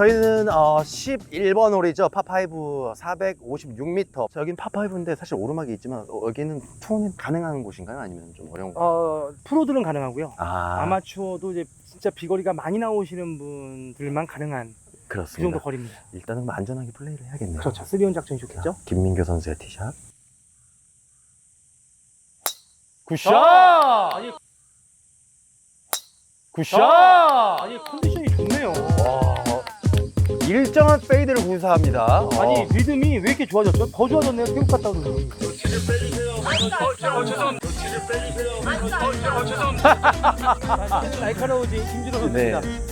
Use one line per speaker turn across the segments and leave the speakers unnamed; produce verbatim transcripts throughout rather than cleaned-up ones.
저희는 어, 십일 번 홀이죠. 파파이브 사백오십육 미터. 여긴 파파이브인데 사실 오르막이 있지만 어, 여기는 투혼이 가능한 곳인가요? 아니면 좀 어려운 곳인가요?
어, 프로들은 가능하고요.
아,
아마추어도 이제 진짜 비거리가 많이 나오시는 분들만 가능한 그
그렇습니다.
정도 거리입니다.
일단은 뭐 안전하게 플레이를 해야겠네요.
그렇죠. 쓰리온 작전이 좋겠죠.
김민교 선수의 티샷.
굿샷! 아니, 굿샷! 아니, 컨디션이 좋네요.
와, 일정한 페이드를 구사합니다.
아니,
어.
리듬이 왜 이렇게 좋아졌죠? 더 좋아졌네요. 태국 갔다 오더니. 날카로우지 김준호 선수입니다.
네.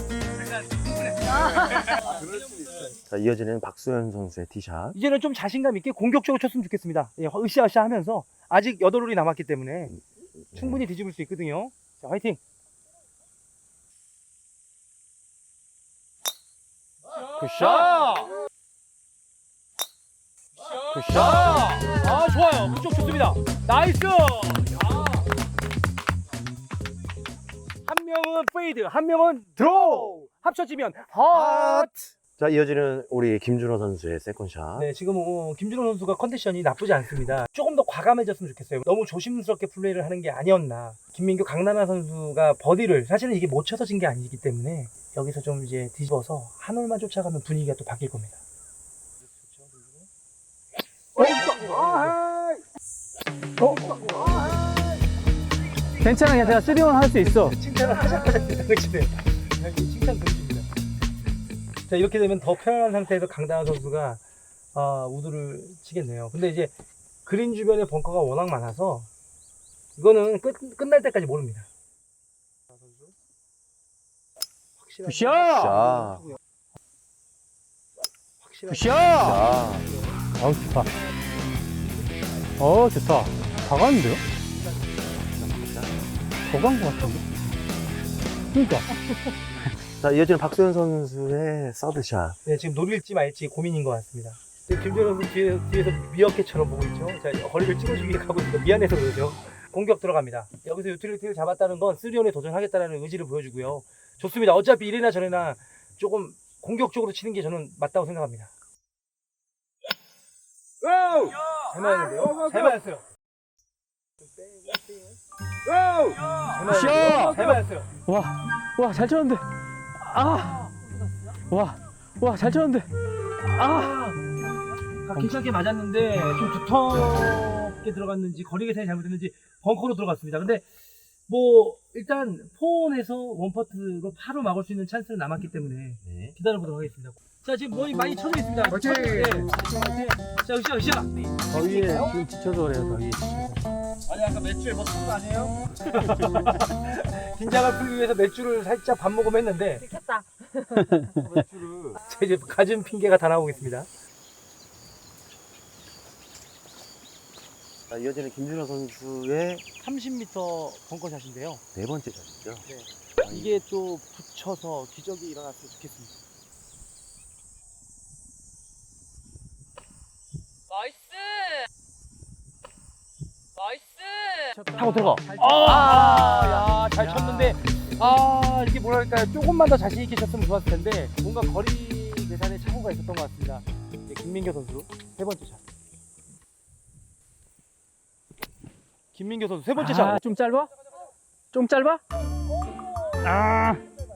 자, 이어지는 박소연 선수의 티샷.
이제는 좀 자신감 있게 공격적으로 쳤으면 좋겠습니다. 예, 으쌰으쌰 하면서 아직 여덟 홀이 남았기 때문에 충분히 뒤집을 수 있거든요. 자, 화이팅! 굿샷! 굿샷! 아, 좋아요. 그쪽 좋습니다. 나이스! 아. 한 명은 페이드, 한 명은 드로우! 합쳐지면 헛!
자, 이어지는 우리 김준호 선수의 세컨샷.
네, 지금 어, 김준호 선수가 컨디션이 나쁘지 않습니다. 조금 더 과감해졌으면 좋겠어요. 너무 조심스럽게 플레이를 하는 게 아니었나. 김민규, 강나나 선수가 버디를 사실은 이게 못 쳐서 진 게 아니기 때문에 여기서 좀 이제 뒤집어서 한 홀만 쫓아가면 분위기가 또 바뀔 겁니다. 어?
괜찮아, 괜찮아. 쓰리온 할 수 있어.
칭찬을 하자마자 그러시네요. 칭찬 드리십니다. 자, 이렇게 되면 더 편안한 상태에서 강다나 선수가 어, 우드를 치겠네요. 근데 이제 그린 주변에 벙커가 워낙 많아서 이거는 끝, 끝날 때까지 모릅니다.
굿샷!
자,
확실하게.
굿샷!
자,
어, 좋다. 어, 좋다. 다 갔는데요? 더 간 것 같은데? 그니까.
자, 이어지는 박소연 선수의 서드샷.
네, 지금 노릴지 말지 고민인 것 같습니다. 김준호 선수 뒤에, 뒤에서 미어캣처럼 보고 있죠. 자, 거리를 찍어주기 위해 가고 있습니다. 미안해서 그러죠. 공격 들어갑니다. 여기서 유틸리티를 잡았다는 건 쓰리온에 도전하겠다는 의지를 보여주고요. 좋습니다. 어차피 이래나 저래나 조금 공격적으로 치는 게 저는 맞다고 생각합니다. 잘 맞았는데요? 잘 맞았어요. 잘 맞았어요. 잘 맞았어요.
와, 와, 잘 쳤는데. 아! 와, 와, 잘 쳤는데. 아!
아, 괜찮게 맞았는데 좀 두텁게 들어갔는지 거리 계산이 잘못됐는지 벙커로 들어갔습니다. 근데 뭐 일단 포온에서 원퍼트로 파로 막을 수 있는 찬스는 남았기 때문에
네.
기다려보도록 하겠습니다. 자, 지금 거의 많이 쳐져 있습니다. 화이팅! 네. 자, 으쌰, 으쌰!
더위에 지금 지쳐서 그래요, 더위.
아니, 아까 맥주에 뭐 쓴 거 아니에요? 긴장을 풀기 위해서 맥주를 살짝 밥 먹으면 했는데
들켰다.
맥주를 자, 이제 가진 핑계가 다 나오고 있습니다.
자, 이어지는 김준호 선수의
삼십 미터 벙커샷인데요.
네 번째 샷이죠.
네. 이게 또 붙여서 기적이 일어났으면 좋겠습니다.
나이스. 나이스.
타고 들어가. 아, 야, 잘 쳤는데, 아, 이게 뭐랄까요. 조금만 더 자신있게 쳤으면 좋았을 텐데, 뭔가 거리 계산에 착오가 있었던 것 같습니다. 네, 김민교 선수, 세 번째 샷. 김민교 선수, 세 번째 샷.
아, 좀 짧아? 좀 짧아? 아!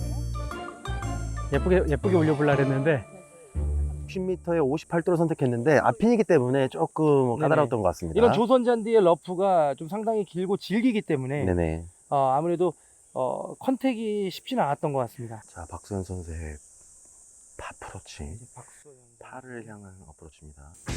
예쁘게, 예쁘게 올려보려고 했는데.
십 미터에 오십팔 도를 선택했는데 앞핀이기 때문에 조금 까다로웠던 것 같습니다.
이런 조선 잔디의 러프가 좀 상당히 길고 질기기 때문에,
네네.
어, 아무래도, 어, 컨택이 쉽지는 않았던 것 같습니다.
자, 박소연 선수의 파프로치.
이제 박소연.
파를 향한 어프로치입니다.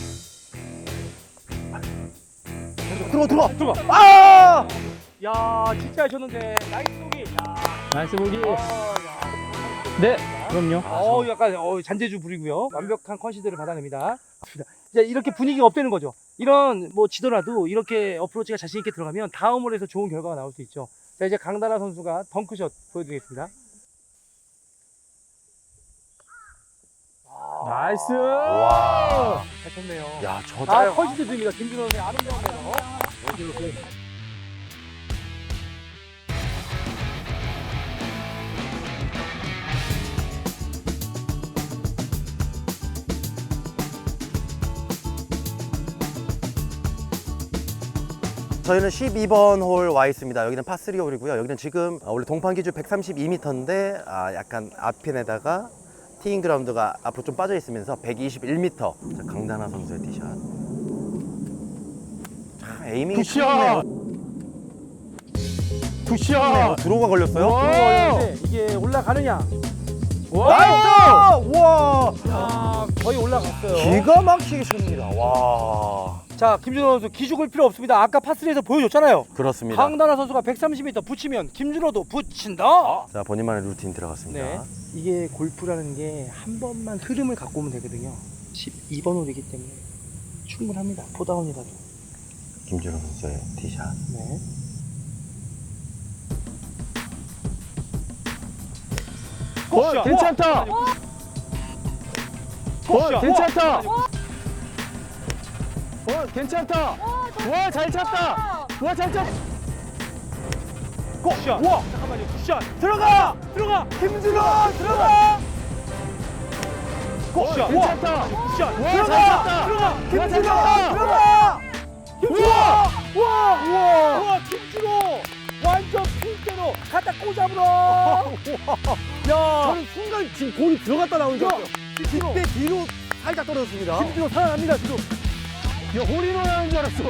들어가, 들어가,
들어가.
아!
야, 진짜 하셨는데, 나이스 보기. 야.
나이스 보기.
어, 야.
네, 그럼요.
어, 약간 어, 잔재주 부리고요. 완벽한 컨시드를 받아냅니다. 이제 이렇게 분위기가 업되는 거죠. 이런 뭐 지더라도 이렇게 어프로치가 자신 있게 들어가면 다음 홀에서 좋은 결과가 나올 수 있죠. 자, 이제 강다나 선수가 덩크샷 보여드리겠습니다.
나이스!
와.
잘 쳤네요.
야, 저
아,
짧.
컨시드 드립니다. 김준호의 아름다운 매너.
저희는 십이 번 홀 와 있습니다. 여기는 파쓰리 홀이고요. 여기는 지금 원래 동판 기준 백삼십이 미터인데 아, 약간 앞핀에다가 티잉 그라운드가 앞으로 좀 빠져 있으면서 백이십일 미터. 자, 강다나 선수의 티샷. 참 에이밍이
굿샷! 굿샷!
드로우가 걸렸어요?
와!
근데 이게 올라가느냐?
나이스! 와!
아, 거의 올라갔어요.
기가 막히게 칩니다. 와.
자, 김준호 선수 기죽을 필요 없습니다. 아까 파스리에서 보여줬잖아요.
그렇습니다.
강다나 선수가 백삼십 미터 붙이면 김준호도 붙인다.
자, 본인만의 루틴 들어갔습니다.
네. 이게 골프라는 게 한 번만 흐름을 갖고 오면 되거든요. 십이 번 홀이기 때문에 충분합니다. 포다운이라도.
김준호 선수의 티샷.
네.
어, 괜찮다. 어, 괜찮다. 어, 괜찮다. 와, 잘 찼다. 와, 잘 찼.
굿샷. 우와, 잠깐만요. 굿샷. 들어가. 들어가. 김준호 들어가. 굿샷.
어, 괜찮다.
굿샷.
와, 잘
들어가.
찼다.
들어가.
와,
김준호
잘 찼다.
들어가. 김준호.
우와.
우와.
우와.
우와, 김준호. 완전 핀대로 갖다 꽂아버려. 야.
저는 순간 지금 공이 들어갔다 나오는 줄
야.
알았어요.
김준호.
그때 뒤로 살짝 떨어졌습니다.
김준호 살아납니다, 지금.
야, 홀인원 하는 줄 알았어.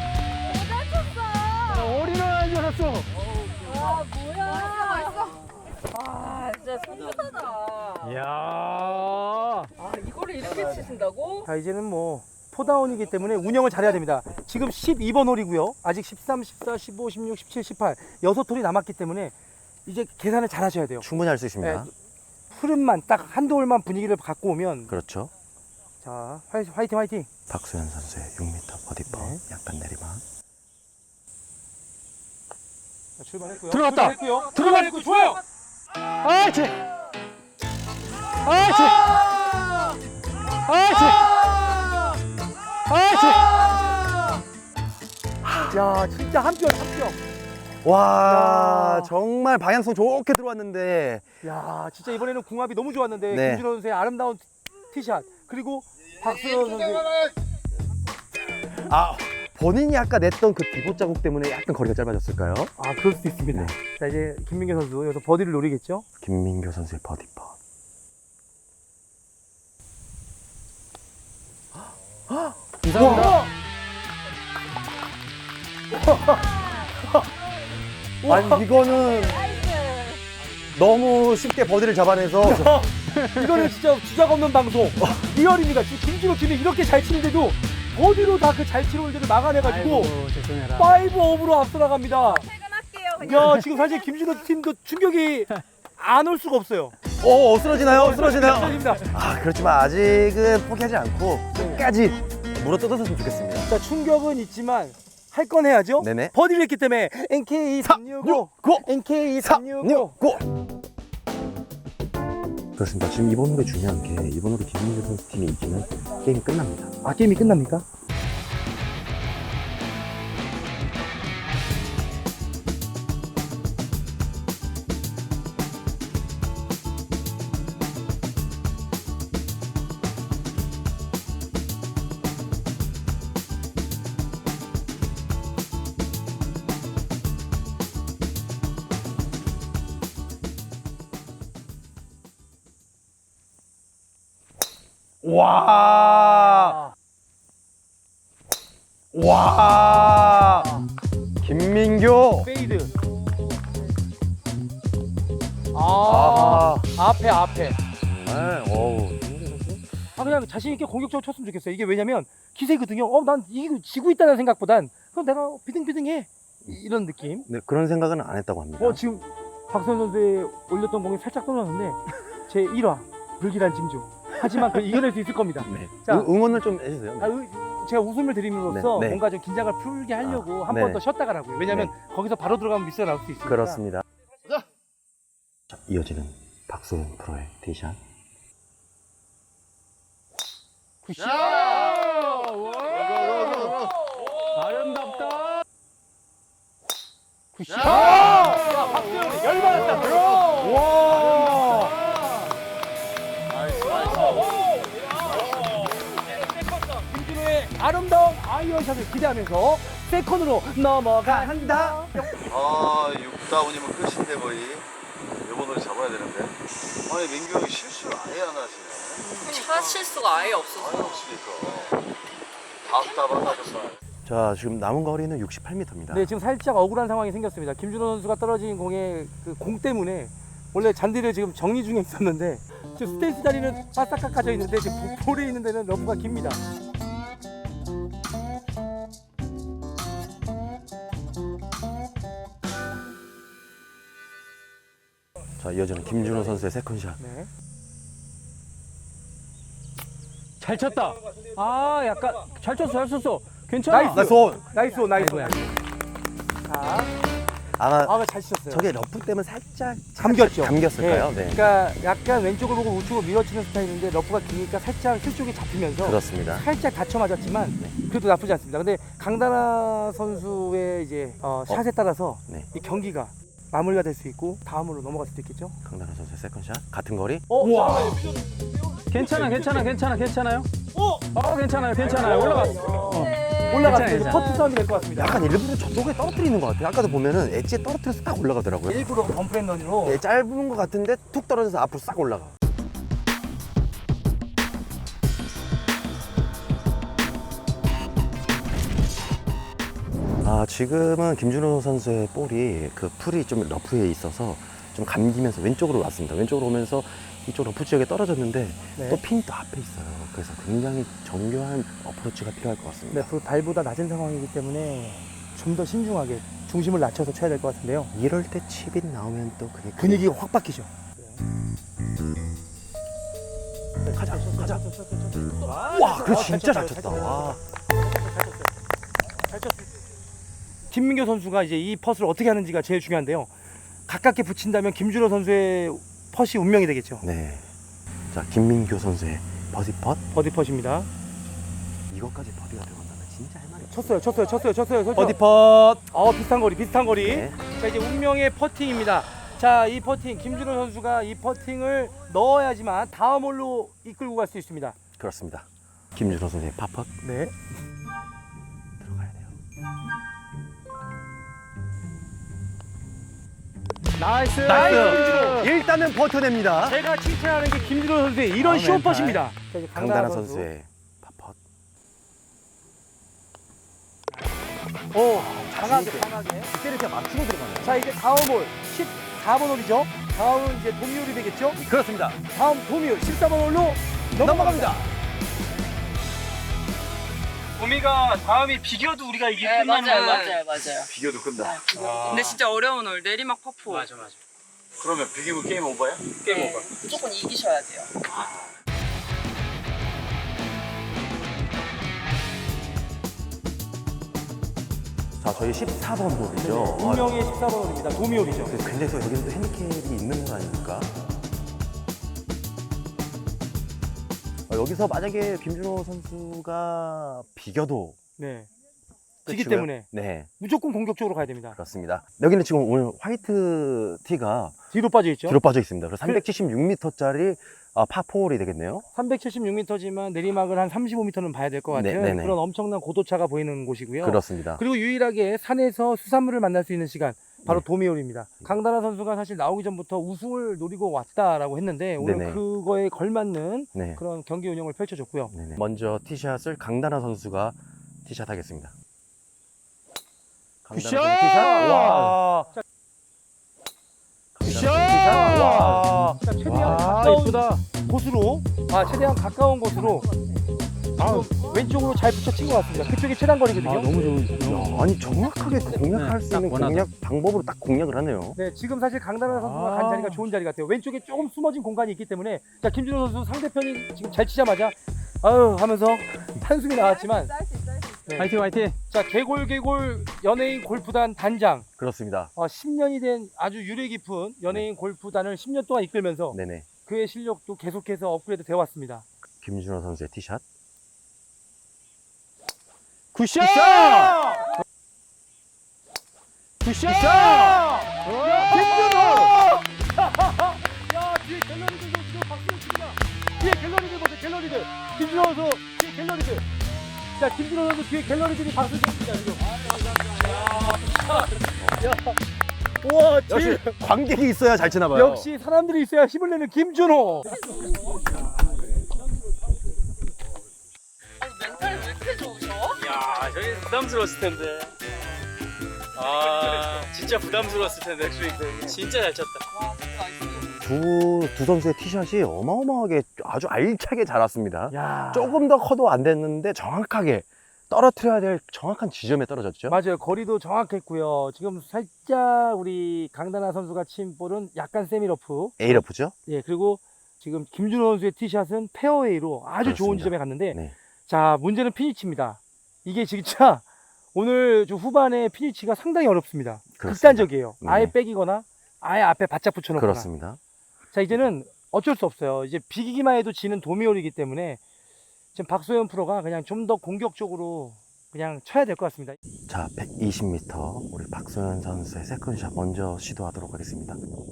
쳤어.
어, 홀인원 하는 줄 알았어.
와 뭐야? 맛있어. 아 진짜 손하다.
이야.
아 이거를 이렇게 치신다고?
자, 이제는 뭐 포다운이기 때문에 운영을 잘해야 됩니다. 지금 십이 번 홀이고요. 아직 십삼, 십사, 십오, 십육, 십칠, 십팔 여섯 홀이 남았기 때문에 이제 계산을 잘 하셔야 돼요.
충분히 할 수 있습니다.
네. 흐름만 딱 한두 홀만 분위기를 갖고 오면
그렇죠.
자, 화이팅 화이팅 화이팅.
박소연 선수의 육 미터 버디퍼.
네.
약간 내리막.
자, 출발했고요.
들어갔다.
출발했고요.
들어갔-
출발했고 좋아요.
아, 쟤. 아, 쟤. 아, 쟤. 아, 쟤.
야, 진짜 한 뼘 한 뼘.
와,
야.
정말 방향성 좋게 들어왔는데.
야, 진짜 이번에는 궁합이 너무 좋았는데
네.
김준호 선수의 아름다운 티샷 그리고 박수현 선수.
아, 본인이 아까 냈던 그 디봇 자국 때문에 약간 거리가 짧아졌을까요?
아, 그럴 수도 있습니다.
네.
자, 이제 김민규 선수 여기서 버디를 노리겠죠?
김민교 선수의 버디퍼.
감사합니다.
아니, 이거는 너무 쉽게 버디를 잡아내서
이거는 진짜 주작 없는 방송. 리얼입니다. 지금 김준호 팀이 이렇게 잘 치는데도 버디로 다 그 잘 치는 홀들을 막아내가지고
아이고, 죄송해라.
파이브 업으로 앞서 나갑니다.
퇴근할게요.
야, 지금 사실 김준호 팀도 충격이 안 올 수가 없어요.
어, 쓰러지나요? 쓰러지나요?
감사합니다.
아, 그렇지만 아직은 포기하지 않고 끝까지 물어 뜯었으면 좋겠습니다.
자, 충격은 있지만 할 건 해야죠.
네네.
버디를 했기 때문에 엔케이 삼육오,
고!
엔케이 삼육오.
고! 그렇습니다. 지금 이번 홀에 중요한 게 이번 홀에 김민교 선수 팀이 이기면 게임이 끝납니다.
아, 게임이 끝납니까?
와! 와! 김민교!
페이드. 아,
아,
앞에 앞에.
정말, 어우.
아, 그냥 자신 있게 공격적으로 쳤으면 좋겠어요. 이게 왜냐면 기세거든요. 어, 난 이기고 지고 있다는 생각보단 그럼 내가 비등비등해 이런 느낌.
네, 그런 생각은 안 했다고 합니다.
어, 지금 박선 선수의 올렸던 공이 살짝 떨어졌는데 제 일 화 불길한 징조. 하지만 그 이겨낼 수 있을 겁니다.
네.
자.
응- 응원을 좀 해주세요.
아, 의- 제가 웃음을 드림으로써
네, 네.
뭔가 좀 긴장을 풀게 하려고
아,
한
네.
번 더 쉬었다 가라고요. 왜냐면 거기서 바로 들어가면 미스가 나올 수 있으니까.
그렇습니다. 자, 이어지는 박소연 프로의 티샷.
굿샷!
아름답다.
굿샷! 야, 박수현이 열받았다. 와! 김준호의 아름다운 아이언샷을 기대하면서 세컨으로 넘어간다.
아, 육 다운이면 끝인데 거의. 요번 홀 잡아야 되는데. 아니, 민규 형이 실수를 아예 안 하시네.
차 실수가 아예 없어서.
아예 없으니까. 답답하다,
자, 지금 남은 거리는 육십팔 미터입니다.
네, 지금 살짝 억울한 상황이 생겼습니다. 김준호 선수가 떨어진 공에 그 공 때문에 원래 잔디를 지금 정리 중에 있었는데 지금 스테이스 자리는 바싹 깎아져 있는데 지금 보- 볼에 있는 데는 러프가 깁니다.
자, 이어지는 김준호 선수의 세컨샷.
네.
잘 쳤다. 아, 약간 잘 쳤어, 잘 쳤어. 괜찮아.
나이스.
나이스 온!
나이스 온, 나이스 온.
아이고야.
자,
아마
아, 잘 치셨어요.
저게 러프 때문에 살짝
감겼죠.
감겼을까요? 네.
그러니까 약간 왼쪽을 보고 우측으로 밀어치는 스타일인데 러프가 기니까 살짝 힐 쪽이 잡히면서
그렇습니다.
살짝 다쳐 맞았지만 그래도 나쁘지 않습니다. 근데 강다나 선수의 이제 어, 샷에 따라서
네.
이 경기가 마무리가 될 수 있고 다음으로 넘어갈 수도 있겠죠.
강다나 선수의 세컨샷. 같은 거리.
어,
와. 괜찮아, 괜찮아, 괜찮아, 괜찮아요.
어,
어, 괜찮아요, 괜찮아요. 올라갔어. 어.
올라갔어요.
괜찮아요,
퍼트 싸움이 될 것 같습니다.
약간 일부러 저쪽에 떨어뜨리는 것 같아요. 아까도 보면은 엣지에 떨어뜨려서 딱 올라가더라고요.
일부러 범프앤런으로
네, 짧은 것 같은데 툭 떨어져서 앞으로 싹 올라가. 아, 지금은 김준호 선수의 볼이 그 풀이 좀 러프에 있어서 좀 감기면서 왼쪽으로 왔습니다. 왼쪽으로 오면서 이쪽 러프 지역에 떨어졌는데
네.
또 핀이 또 앞에 있어요. 그래서 굉장히 정교한 어프로치가 필요할 것 같습니다.
네, 그 발보다 낮은 상황이기 때문에 좀 더 신중하게 중심을 낮춰서 쳐야 될 것 같은데요.
이럴 때 칩이 나오면 또 그게
분위기가 확 바뀌죠.
가자, 가자. 와, 그래 진짜 잘 쳤다. 와.
김민교 선수가 이제 이 퍼스를 어떻게 하는지가 제일 중요한데요. 가깝게 붙인다면 김준호 선수의 퍼시 운명이 되겠죠.
네. 자, 김민교 선수의 버디 펫.
버디 퍼시입니다.
이것까지 버디가 들어간다면 진짜 할 말이 없어.
쳤어요, 쳤어요, 쳤어요, 쳤어요. 쳤죠?
버디 펫.
어, 비슷한 거리, 비슷한 거리.
네.
자, 이제 운명의 퍼팅입니다. 자, 이 퍼팅, 김준호 선수가 이 퍼팅을 넣어야지만 다음 홀로 이끌고 갈 수 있습니다.
그렇습니다. 김준호 선수의 파펫
네.
들어가야 돼요.
나이스.
나이스. 일단은 버텨냅니다.
제가 칭찬하는 게 김준호 선수의 이런
아,
쇼퍼십니다. 자, 이제
강다나
선수.
선수의 파펫.
오, 강하게, 강하게.
이렇게 맞추고 들어가네요.
자, 이제 다음 홀 십사 번 홀이죠. 다음은 이제 도미홀이 되겠죠.
그렇습니다.
다음 도미홀 십사 번 홀로
넘어갑니다.
도미가 다음이 비겨도 우리가 이게
네,
끝나는
맞아요,
거야.
맞아요, 맞아요.
비교도 끝나.
근데 진짜 어려운 홀 내리막 퍼포.
맞아, 맞아.
그러면 비기면 게임 오버야?
게임
네,
오버.
무조건 이기셔야 돼요.
자, 저희 십사 번 홀이죠.
운명의 십사 번 홀입니다. 도미홀이죠.
아, 굉장히 또 여기는 또 핸디캡이 있는 건 아닙니까? 어, 여기서 만약에 김준호 선수가 비겨도
네. 지기
끝이고요.
때문에
네,
무조건 공격적으로 가야 됩니다.
그렇습니다. 여기는 지금 오늘 화이트 티가
뒤로 빠져 있죠.
뒤로 빠져 있습니다. 그래서 삼백칠십육 미터짜리 파포홀이 되겠네요.
삼백칠십육 미터지만 내리막을 한 삼십오 미터는 봐야 될 것 같아요.
네, 네네.
그런 엄청난 고도차가 보이는 곳이고요.
그렇습니다.
그리고 유일하게 산에서 수산물을 만날 수 있는 시간 바로
네.
도미홀입니다. 강다나 선수가 사실 나오기 전부터 우승을 노리고 왔다라고 했는데 오늘
네네.
그거에 걸맞는
네.
그런 경기 운영을 펼쳐줬고요.
네네. 먼저 티샷을 강다나 선수가 티샷 하겠습니다. 강다나
굿샷!
선수 티샷. 와.
자,
굿샷!
자, 와. 자, 최대한
와,
가까운
이쁘다.
곳으로, 아 최대한 가까운 곳으로
아,
왼쪽으로 잘 붙여친 것 같습니다. 그쪽이 최단 거리거든요.
아, 너무 좋은.
야, 아니 정확하게 그 공략할
네,
수 있는
딱 원하던.
공략 방법으로 딱 공략을 하네요.
네, 지금 사실 강다나 선수가
아.
간 자리가 좋은 자리 같아요. 왼쪽에 조금 숨어진 공간이 있기 때문에 자 김준호 선수 상대편이 지금 잘 치자마자 아유 하면서 한숨이 나왔지만 네.
화이팅, 화이팅.
자 개골개골 연예인 골프단 단장
그렇습니다.
어, 십 년이 된 아주 유래 깊은 연예인 골프단을 십 년 동안 이끌면서
네네.
그의 실력도 계속해서 업그레이드 되어 왔습니다.
김준호 선수의 티샷.
굿샷! 굿샷!
김준호! 야 뒤에 갤러리들 지금 박수를 칩니다. 뒤에 갤러리들 보세요 갤러리들. 김준호 선수 뒤에 갤러리들. 자, 김준호 선수 뒤에 갤러리들이 박수 칩니다, 지금. 야, 우와,
역시
제일,
관객이 있어야 잘 치나 봐요.
역시 사람들이 있어야 힘을 내는 김준호.
멘탈이 왜 이렇게 좋으셔?
야, 저희 부담스러웠을 텐데. 아, 진짜 부담스러웠을 텐데, 엑스윙. 진짜 잘 쳤다.
와, 너무 나이스.
두, 두 선수의 티샷이 어마어마하게 아주 알차게 잘 왔습니다.
야,
조금 더 커도 안 됐는데 정확하게 떨어뜨려야 될 정확한 지점에 떨어졌죠.
맞아요. 거리도 정확했고요. 지금 살짝 우리 강다나 선수가 친 볼은 약간 세미러프.
A러프죠?
예, 그리고 지금 김준호 선수의 티샷은 페어웨이로 아주 좋은
그렇습니다.
지점에 갔는데,
네.
자, 문제는 피니치입니다. 이게 진짜 오늘 좀 후반에 피니치가 상당히 어렵습니다.
그렇습니다.
극단적이에요.
네.
아예 빼기거나 아예 앞에 바짝 붙여놓거나.
그렇습니다.
자, 이제는 어쩔 수 없어요. 이제 비기기만 해도 지는 도미홀이기 때문에 지금 박소연 프로가 그냥 좀 더 공격적으로 그냥 쳐야 될 것 같습니다.
자, 백이십 미터 우리 박소연 선수의 세컨샷 먼저 시도하도록 하겠습니다.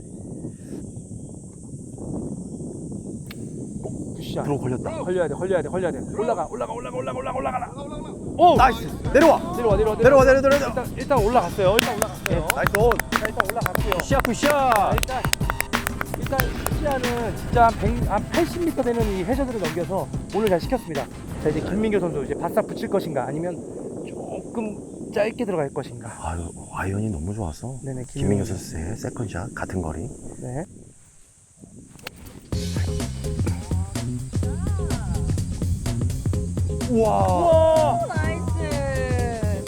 굿샷.
들어 걸렸다.
걸려야 돼, 걸려야 돼, 걸려야 돼. 올라가, 올라가, 올라가, 올라가, 올라가, 올라가라. 오,
나이스! 내려와!
내려와, 내려와,
내려와, 내려와, 내려와!
일단, 일단 올라갔어요. 일단 올라갔어요.
나이스 온!
자, 일단 올라갔고요.
굿샷, 굿샷.
자, 일단 일단 시야는 진짜 한, 백, 한 팔십 미터 되는 이 해저드를 넘겨서 오늘 잘 시켰습니다. 자, 이제 김민교 선수 이제 바싹 붙일 것인가 아니면 조금 짧게 들어갈 것인가.
아유, 아이언이 너무 좋아서
네네,
김민규 선수의 세컨샷 같은 거리.
네.
우와!
우와,
나이스.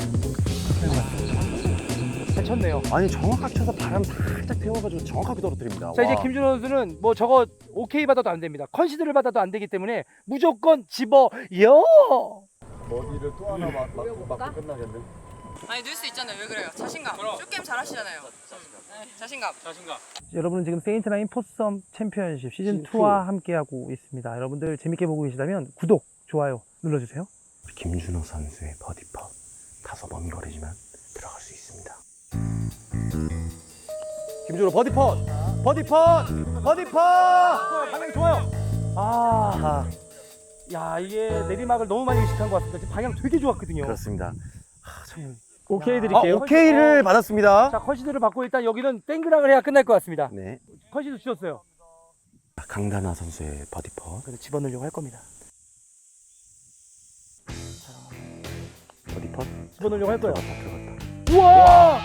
잘 쳤네요.
아니 정확하게 쳐서 바람 살짝 태워가지고 정확하게 떨어뜨립니다.
자, 이제
와.
김준호 선수는 뭐 저거 오케이 받아도 안 됩니다. 컨시드를 받아도 안 되기 때문에 무조건 집어요.
머리를 또 하나 막, 막, 맞고 끝나겠네.
아니, 넣을 수 있잖아요. 왜 그래요? 자신감. 쇼게임 잘하시잖아요. 네, 자신감.
자신감.
여러분은 지금 세인트나인 포썸 챔피언십 시즌
시즌
이와 함께하고 있습니다. 여러분들 재밌게 보고 계시다면 구독, 좋아요 눌러주세요.
김준호 선수의 버디퍼 다소 먼 거리지만 들어갈 수 있습니다. 김준호 버디퍼! 버디퍼! 버디퍼!
방향 좋아요. 아, 야, 이게 내리막을 너무 많이 의식한 것 같습니다. 지금 방향 되게 좋았거든요.
그렇습니다.
오케이
아,
드릴게요.
오케이를 받았습니다.
자, 컨시드를 받고 일단 여기는 땡그락을 해야 끝날 것 같습니다.
네.
컨시드 주셨어요.
강다나 선수의 버디퍼.
그래서 집어넣으려고 할 겁니다.
버디퍼.
집어넣으려고 할 거예요.
들어갔다, 들어갔다.
우와!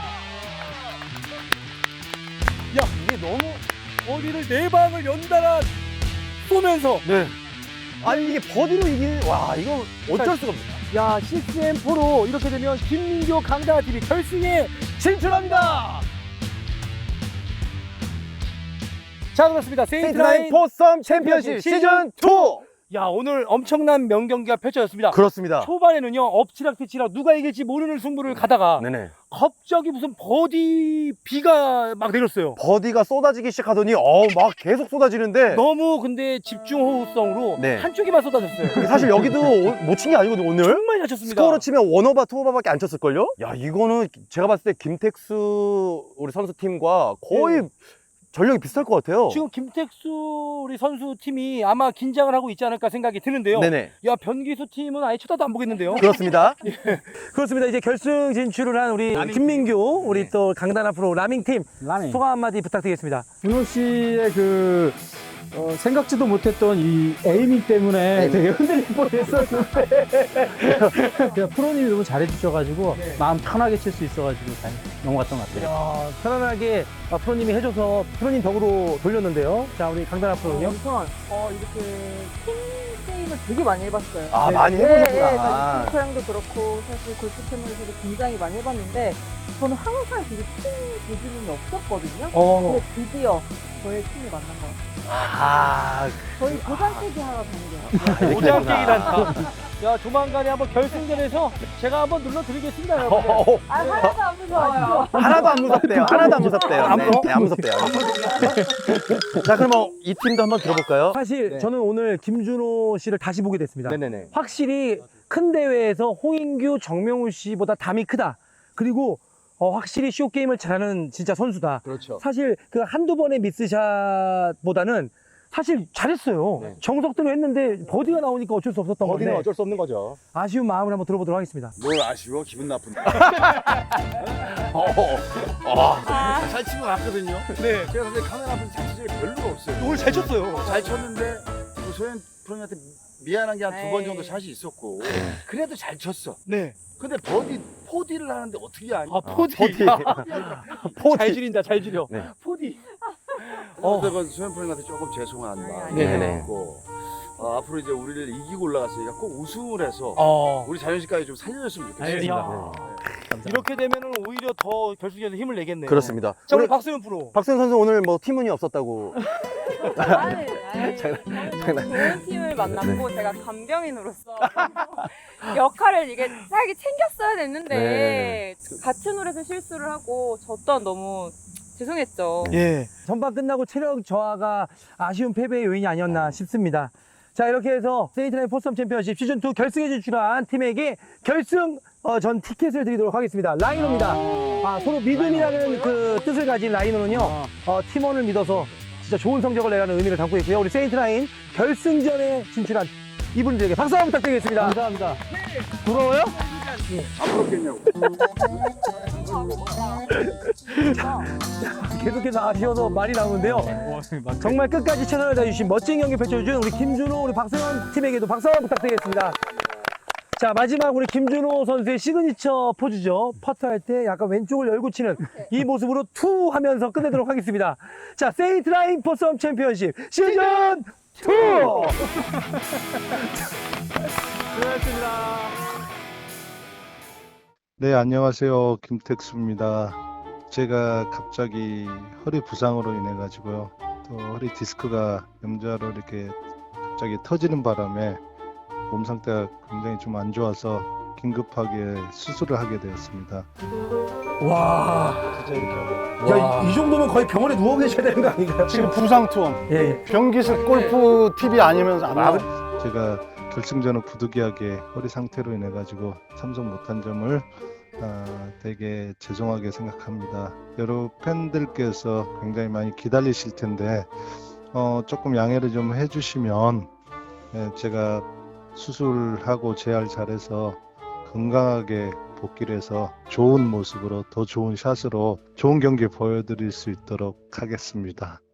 야, 이게 너무 어디를 네 방을 연달아 쏘면서,
네. 아니 이게 버디로 이게 와 이거 어쩔 수가 없어.
야, 식스엠포로 이렇게 되면 김민교 강다나 티비 결승에 진출합니다. 자, 그렇습니다.
세인트나인
세인트나인
포썸 챔피언십 시즌 투.
야, 오늘 엄청난 명경기가 펼쳐졌습니다.
그렇습니다.
초반에는요, 엎치락뒤치락 누가 이길지 모르는 승부를 가다가
네네.
갑자기 무슨 버디 비가 막 내렸어요.
버디가 쏟아지기 시작하더니 어 막 계속 쏟아지는데
너무 근데 집중 호흡성으로
네.
한쪽에만 쏟아졌어요.
사실 여기도 못 친 게 아니거든요 오늘.
정말 잘 쳤습니다.
스코어로 치면 원오버 투오버밖에 안 쳤을걸요? 야 이거는 제가 봤을 때 김택수 우리 선수팀과 거의
네.
전력이 비슷할 것 같아요.
지금 김택수 우리 선수 팀이 아마 긴장을 하고 있지 않을까 생각이 드는데요.
네네.
야, 변기수 팀은 아예 쳐다도 안 보겠는데요.
그렇습니다.
그렇습니다. 이제 결승 진출을 한 우리 김민규, 우리 또 강다나 프로 라밍 팀
라밍.
소감 한마디 부탁드리겠습니다.
준호 씨의 그 어, 생각지도 못했던 이 에이밍 때문에 되게 흔들릴 뻔했었는데 그냥 프로님이 너무 잘해주셔가지고 마음 편하게 칠 수 있어가지고 잘 넘어갔던 것 같아요.
야, 편안하게 아, 프로님이 해줘서 프로님 덕으로 돌렸는데요. 자, 우리 강다나 프로는요.
우선 어, 이렇게 팀 게임을 되게 많이 해봤어요.
아
네.
많이
네,
해보셨구나.
네, 저희 골프장도 그렇고 사실 골프 채널에서도 굉장히 많이 해봤는데 저는 항상 되게 팀 기준이 없었거든요.
어.
근데 드디어 저의 팀을 만난 것 같아요.
아,
저희 도장깨기 하러 다니게요.
오장깨기란다. 야, 조만간에 한번 결승전에서 제가 한번 눌러드리겠습니다, 여러분.
어,
아, 하나도 안 무서워요.
하나도 안 무섭대요. 하나도 안 무섭대요.
안
네,
무서워?
네, 안 무섭대요. 자, 그러면 이 팀도 한번 들어볼까요?
사실
네.
저는 오늘 김준호 씨를 다시 보게 됐습니다.
네네네.
확실히 큰 대회에서 홍인규, 정명훈 씨보다 담이 크다. 그리고 어, 확실히 쇼게임을 잘하는 진짜 선수다.
그렇죠.
사실 그 한두 번의 미스샷보다는
사실 잘했어요.
네.
정석대로 했는데 버디가 나오니까 어쩔 수 없었던
버디는
건데
어쩔 수 없는 거죠.
아쉬운 마음을 한번 들어보도록 하겠습니다.
뭘 아쉬워? 기분 나쁜데.
아,
잘 치고 갔거든요.
네.
제가 근데 카메라 앞에서 잘 치는 게 별로가 없어요.
오늘 잘 쳤어요.
잘 쳤는데 뭐 소연 프로님한테 미안한 게 한 두 번
에이.
정도 샷이 있었고 그래도 잘 쳤어.
네.
근데 버디 포디를 하는데 어떻게 하냐?
아, 포디.
포디.
잘 줄인다, 잘 줄여.
네.
포디.
어. 그래서 소연 프로님한테 조금 죄송한 마음이
네네.
있고 어, 앞으로 이제 우리를 이기고 올라갔으니까 꼭 우승을 해서
어.
우리 자존심까지 좀 살려줬으면 좋겠어요.
알겠습니다. 이렇게 되면은 오히려 더 결승전에서 힘을 내겠네요.
그렇습니다.
자, 우리
우리
박수현 프로.
박수현 선수 오늘 뭐 팀운이 없었다고.
아니, 아니.
장난.
좋은 팀을 만났고 제가 간병인으로서 역할을 이게 살기 챙겼어야 됐는데
네.
같은 홀에서 실수를 하고 저 또한 너무 죄송했죠.
예.
전반 끝나고 체력 저하가 아쉬운 패배의 요인이 아니었나 싶습니다. 자, 이렇게 해서 세이트라인 포섬 챔피언십 시즌이 결승에 진출한 팀에게 결승 어, 전 티켓을 드리도록 하겠습니다. 라이노입니다. 아, 서로 믿음이라는 그 뜻을 가진 라이노는요, 어, 팀원을 믿어서 진짜 좋은 성적을 내라는 의미를 담고 있고요. 우리 세이트라인 결승전에 진출한 이분들에게 박수 한번 부탁드리겠습니다. 감사합니다. 부러워요?
안 부럽겠냐고.
계속해서 아쉬워서 말이 나오는데요. 정말 끝까지 최선을 다해주신 멋진 경기 펼쳐준 우리 김준호, 우리 박세현 팀에게도 박수 한번 부탁드리겠습니다. 자, 마지막 우리 김준호 선수의 시그니처 포즈죠. 퍼트할 때 약간 왼쪽을 열고 치는 이 모습으로 투 하면서 끝내도록 하겠습니다. 자, 세이트라인 포섬 챔피언십 시즌 투! 수고하셨습니다.
네, 안녕하세요. 김택수입니다. 제가 갑자기 허리 부상으로 인해 가지고요. 또 허리 디스크가 염좌로 이렇게 갑자기 터지는 바람에 몸 상태가 굉장히 좀 안 좋아서 긴급하게 수술을 하게 되었습니다.
와, 야, 이, 이 정도면 거의 병원에 누워 계셔야 되는 거 아닌가요?
지금 부상 투혼.
예.
변기식 골프 티비 아니면 안 나와.
제가 결승전을 부득이하게 허리 상태로 인해 가지고 참석 못한 점을 아, 되게 죄송하게 생각합니다. 여러 팬들께서 굉장히 많이 기다리실 텐데 어, 조금 양해를 좀 해주시면 예, 제가 수술하고 재활 잘해서 건강하게 복귀를 해서 좋은 모습으로 더 좋은 샷으로 좋은 경기 보여드릴 수 있도록 하겠습니다.